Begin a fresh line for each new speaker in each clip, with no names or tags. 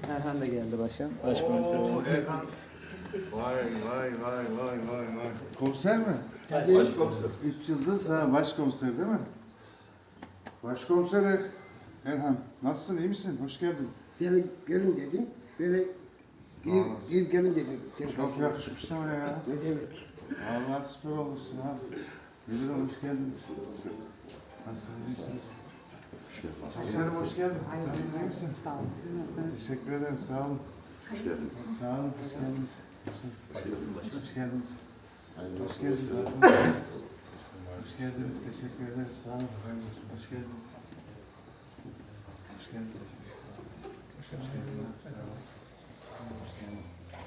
Erhan da geldi başkan. Başkomiser.
Erhan. Vay. Komiser mi?
Başkomiser.
3 yıldız ha, başkomiser değil mi? Başkomiser Erhan. Nasılsın, iyi misin? Hoş geldin.
Seni gelin dedim. Böyle gir gelin dedim.
Çok yakışmış sana ya.
Ne demek?
Vallahi süper olmuşsun ha. Müdürüm hoş geldiniz. Nasılsınız, iyisiniz? Başkanım hoş geldin. Nasılsınız, iyi misin?
Sağ olun. Siz nasılsınız?
Teşekkür ederim, sağ olun.
Hoş geldiniz.
Sağ olun, hoş geldiniz. Hoş geldiniz. Hoş geldiniz. Hoş geldiniz, teşekkür ederim, sağ olun. Hoş geldiniz. Hoş geldiniz. Hoş geldiniz. Sağ olun. Hoş geldiniz.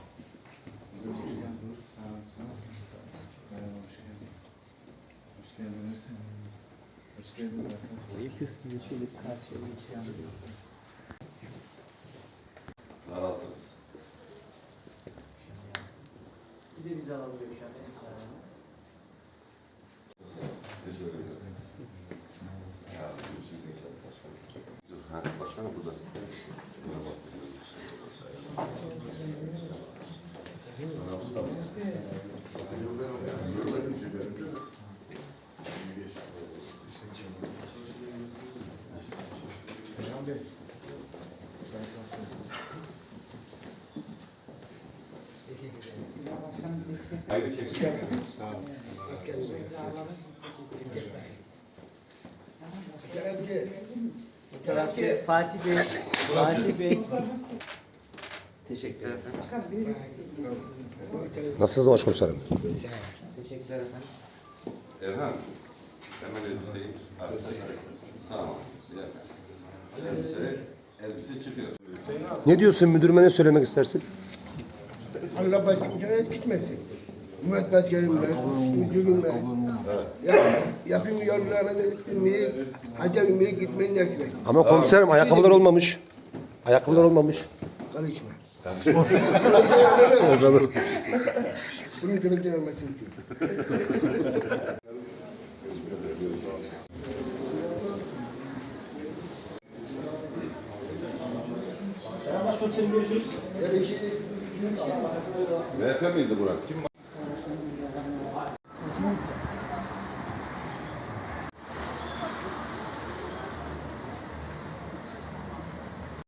Sağ olun. Hoş geldiniz. Hoş geldiniz. Hoş geldiniz arkadaşlar.
İlk kısmını şöyle karşıya geçelim.
Daraldınız.
Bir de bizi alabiliyor şu an.
Teşekkür ederim. Ya, görüşürüz inşallah başkanım. Ha, başkanım burada. Hayırlı çeksin.
Sağ olun.
Fotoğrafçı Fatih Bey. Fatih Bey. Teşekkür ederim.
Nasılsınız başkomiserim?
Teşekkürler efendim.
Erhan, hemen elbiseyi arkaya. Tamam. Elbise çıkıyor.
Ne diyorsun müdürüme, ne söylemek istersin?
Allah başkanına gitmesin. Ümmet başkanımla, müdürümle. Yapım yollarına bilmeye, hacca bilmeye gitmeyi nasip et.
Ama komiserim ayakkabılar olmamış. Ayakkabılar olmamış.
Karışma. Bunu görüntüden almasın ki.
MHP miydi Burak? Kim